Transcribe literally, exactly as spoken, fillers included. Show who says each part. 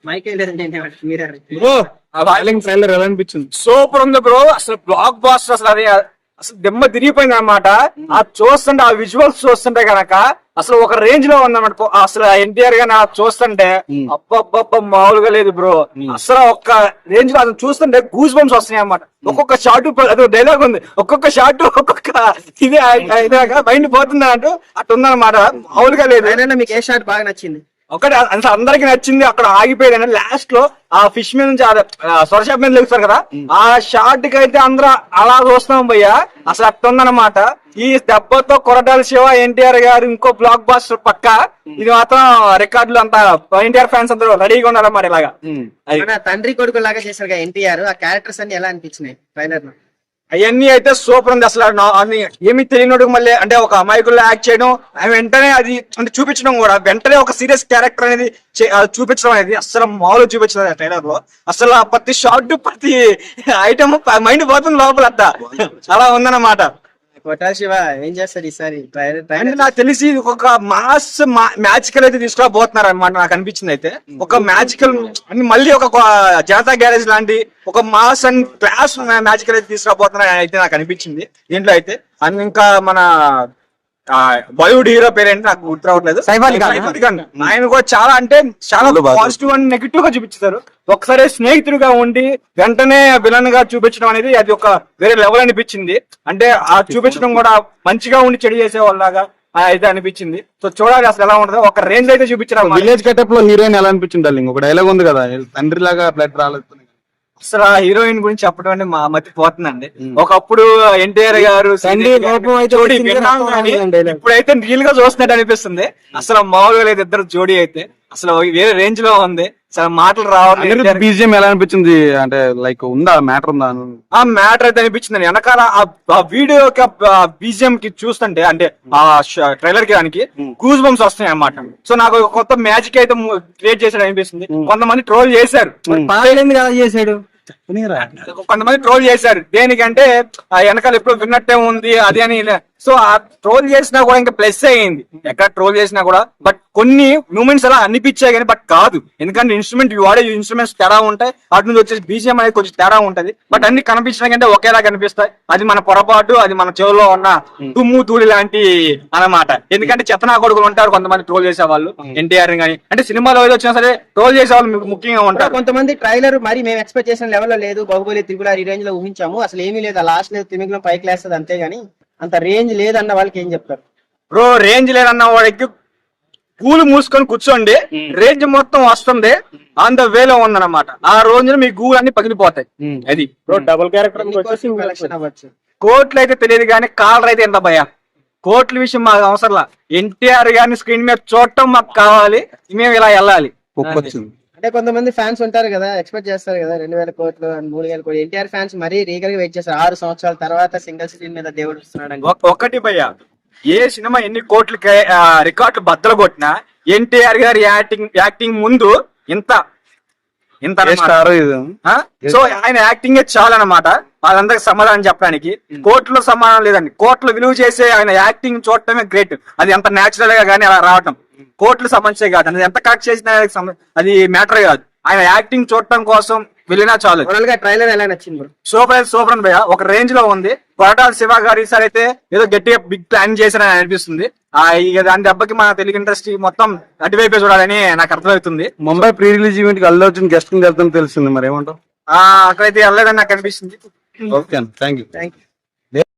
Speaker 1: Bro ఆ wailing trailer ఎలా అనిపించింది?
Speaker 2: సూపర్ ఉంది బ్రో. అసలు బ్లాక్ బాస్టర్ అసలు అది అసలు దెమ్మ తిరిగిపోయింది అనమాట. ఆ చూస్తుంటే ఆ విజువల్స్ చూస్తుంటే గనక అసలు ఒక రేంజ్ లో ఉందన్నమాట. అసలు ఎన్టీఆర్ గాని చూస్తుంటే అబ్బబ్బబ్బ మామూలుగా లేదు బ్రో. అసలు ఒక్క రేంజ్ లో అసలు చూస్తుంటే గూస్ బంప్స్ వస్తున్నాయి అన్నమాట. ఒక్కొక్క షాట్ అదే డైలాగ్ ఉంది, ఒక్కొక్క షాట్ ఒక్కొక్క ఇదే మైండ్ పోతుంది అన్నట్టు అట్టు ఉందన్నమాట. మామూలుగా లేదు.
Speaker 3: మీకు ఏ షాట్ బాగా నచ్చింది?
Speaker 2: ఒకటి అందరికి నచ్చింది అక్కడ ఆగిపోయింది. లాస్ట్ లో ఆ ఫిష్ మీద నుంచి సొరషాప్ మీద లెగుస్తారు కదా, ఆ షాట్ కి అయితే అందరూ అలా చూస్తున్నాం భయ్యా. అసలు అట్ట ఉందన్నమాట. ఈ దెబ్బతో కొరటాల శివ ఎన్టీఆర్ గారు ఇంకో బ్లాక్ బాస్టర్ పక్క. ఇది మాత్రం రికార్డులు అంతా ఎన్టీఆర్ ఫ్యాన్స్ అందరూ రెడీగా ఉన్నారన్నమాట. ఇలాగా
Speaker 3: తండ్రి కొడుకు లాగా చేశారు ఎన్టీఆర్. ఆ క్యారెక్టర్స్ అన్ని ఎలా అనిపించినాయి ట్రైలర్ లో?
Speaker 2: అవన్నీ అయితే సూపర్ ఉంది. అసలు ఏమి తెలియనోడు మళ్ళీ అంటే ఒక అమాయకుల్లో యాక్ట్ చేయడం, వెంటనే అది అంటే చూపించడం కూడా, వెంటనే ఒక సీరియస్ క్యారెక్టర్ అనేది చూపించడం అనేది అసలు మామూలు చూపించలేదు ఆ ట్రైలర్ లో. అసలు ప్రతి షాట్ ప్రతి ఐటమ్ మైండ్ పోతుంది లోపల. అట్ట చాలా ఉందన్నమాట.
Speaker 3: కొరటాల శివ ఏం చేస్తాడు ఈసారి?
Speaker 2: అంటే నాకు తెలిసి ఒక మాస్ మ్యాజికల్ అయితే తీసుకురాబోతున్నారు అనమాట. నాకు అనిపించింది అయితే ఒక మ్యాజికల్ మళ్ళీ ఒక జనతా గ్యారేజ్ లాంటి ఒక మాస్ అండ్ క్లాస్ మ్యాజికల్ అయితే తీసుకురాబోతున్నారు అయితే నాకు అనిపించింది దీంట్లో అయితే. అండ్ ఇంకా మన బాలీవుడ్ హీరో పేరేంటి నాకు గుర్తు రావట్లేదు, సైఫ్ అలీ ఖాన్. ఆయన కూడా చాలా అంటే చాలా పాజిటివ్ అండ్ నెగిటివ్ గా చూపించారు. ఒకసారి స్నేహితుడిగా ఉండి వెంటనే విలన్ గా చూపించడం అనేది అది ఒక వేరే లెవెల్ అనిపించింది. అంటే ఆ చూపించడం కూడా మంచిగా ఉండి చెడు చేసే వాళ్ళగా అయితే అనిపించింది. సో చూడాలి అసలు ఎలా ఉంటుందో. ఒక రేంజ్ అయితే చూపించడం.
Speaker 1: విలేజ్ గెటప్ లో హీరోయిన్ ఎలా అనిపించింది డార్లింగ్? ఒక డైలాగ్ ఉంది కదా, తండ్రి లాగా బ్లడ్ రాలేదు.
Speaker 2: అసలు ఆ హీరోయిన్ గురించి చెప్పడం అంటే మా మతి పోతుందండి. ఒకప్పుడు ఎన్టీఆర్ గారు ఇప్పుడైతే రియల్ గా చూస్తున్నట్టు అనిపిస్తుంది. అసలు మామూలుగా లేదు ఇద్దరు జోడీ అయితే. అసలు వేరే రేంజ్ లో ఉంది. అసలు మాటలు రావాలి.
Speaker 1: బీజిఎం ఎలా అనిపించింది? అంటే లైక్ ఉందా మ్యాటర్ ఉందా?
Speaker 2: ఆ మ్యాటర్ అయితే అనిపించింది. వెనకాల ఆ వీడియో బీజిఎం కి చూస్తుంటే అంటే ఆ ట్రైలర్ కి దానికి గూస్ బంప్స్ వస్తున్నాయి అన్నమాట. సో నాకు కొత్త మ్యాజిక్ అయితే క్రియేట్ చేశాడు అనిపిస్తుంది. కొంతమంది ట్రోల్ చేశారు,
Speaker 3: కదా చేశాడు
Speaker 2: కొంతమంది ట్రోల్ చేశారు. దేనికంటే ఆ వెనకాల ఎప్పుడు విన్నట్టే ఉంది అది అని. సో ఆ ట్రోల్ చేసినా కూడా ఇంకా ప్లస్ అయ్యింది. ఎక్కడ ట్రోల్ చేసినా కూడా బట్ కొన్ని మూమెంట్స్ అలా అనిపించాయి కానీ బట్ కాదు. ఎందుకంటే ఇన్స్ట్రుమెంట్ వాడే ఇన్స్ట్రుమెంట్స్ తేడా ఉంటాయి, అటు నుంచి వచ్చేసి బీజిఎం అనేది కొంచెం తేడా ఉంటది. బట్ అన్ని కనిపించడం కంటే ఒకేలా కనిపిస్తాయి. అది మన పొరపాటు, అది మన చెవులో ఉన్న తుమ్ము తూలి లాంటి అన్నమాట. ఎందుకంటే చెత్తనా కొడుకులు ఉంటారు కొంతమంది ట్రోల్ చేసే వాళ్ళు ఎన్టీఆర్ గానీ. అంటే సినిమాలో ఏదో వచ్చినా సరే ట్రోల్ చేసే వాళ్ళు ముఖ్యంగా ఉంటారు.
Speaker 3: కొంతమంది ట్రైలర్ మరి మేము ఎక్స్పెక్ట్ చేసిన లెవెల్లో లేదు, బాహుబలి త్రిపుల ఈ రేంజ్ లో ఊహించాము, అసలు ఏమీ లేదు, లాస్ట్ లేదు తిమింగలం పైకి లేస్తుంది అంతేగాని అంత రేంజ్ లేదన్న వాళ్ళకి ఏం చెప్తారు?
Speaker 2: బ్రో రేంజ్ లేదన్న వాడికి కూలు మూసుకొని కూర్చోండి, రేంజ్ మొత్తం వస్తుంది. ఆన్ ద వేలో ఉందన్నమాట. ఆ రోజున మీ గూలు అన్ని పగిలిపోతాయి. అది
Speaker 3: డబుల్ క్యారెక్టర్
Speaker 2: కోట్లు అయితే తెలియదు కానీ కాలర్ అయితే ఎంత భయ. కోట్ల విషయం మాకు అవసరంలా. ఎన్టీఆర్ గారిని స్క్రీన్ మీద చూడటం మాకు కావాలి, మేము ఇలా వెళ్ళాలి.
Speaker 3: అంటే కొంతమంది ఫ్యాన్స్ ఉంటారు కదా, ఎక్స్పెక్ట్ చేస్తారు కదా రెండు వేల కోట్లు మూడు వేల కోట్లు. ఎన్టీఆర్ ఫ్యాన్స్ మరీ రీగల్ గా వెయిట్ చేస్తారు. ఆరు సంవత్సరాల తర్వాత సింగిల్ స్క్రీన్ మీద దేవుడు వస్తున్నాడు.
Speaker 2: ఒకటి భయ్య, ఏ సినిమా ఎన్ని కోట్లకి రికార్డులు బద్దలు కొట్టినా ఎన్టీఆర్ గారి యాక్టింగ్ యాక్టింగ్ ముందు ఇంత ఇంత సో ఆయన యాక్టింగ్ చాలా అనమాట. వాళ్ళందరికి సమాధానం చెప్పడానికి కోర్టులో సమాధానం లేదండి. కోర్టులో విలువ చేసే ఆయన యాక్టింగ్ చూడటమే గ్రేట్. అది ఎంత న్యాచురల్ గా కానీ అలా రావటం కోర్టులు సంబంధించే కాదు. అది ఎంత కరెక్ట్ చేసినా అది మ్యాటర్ కాదు. ఆయన యాక్టింగ్ చూడటం కోసం వెళ్ళినా చాలు.
Speaker 3: ట్రైలర్ ఎలా నచ్చింది?
Speaker 2: సూపర్ సూపర్ భయ్య, ఒక రేంజ్ లో ఉంది. కొరటాల శివ గారు ఈసారి అయితే ఏదో గట్టిగా బిగ్ ప్లాన్ చేశారని అనిపిస్తుంది. ఆ ఇక దాని దెబ్బకి మన తెలుగు ఇండస్ట్రీ మొత్తం అటువైపే చూడాలని నాకు అర్థమవుతుంది.
Speaker 1: ముంబై ప్రీ రిలీజ్ ఈవెంట్ కి అల్లు అర్జున్ గెస్ట్ వెళ్తాను తెలిసింది, మరి ఏమంటావు?
Speaker 2: అక్కడైతే వెళ్ళలేదని నాకు అనిపిస్తుంది.
Speaker 1: Okay, thank you.
Speaker 3: Thank you.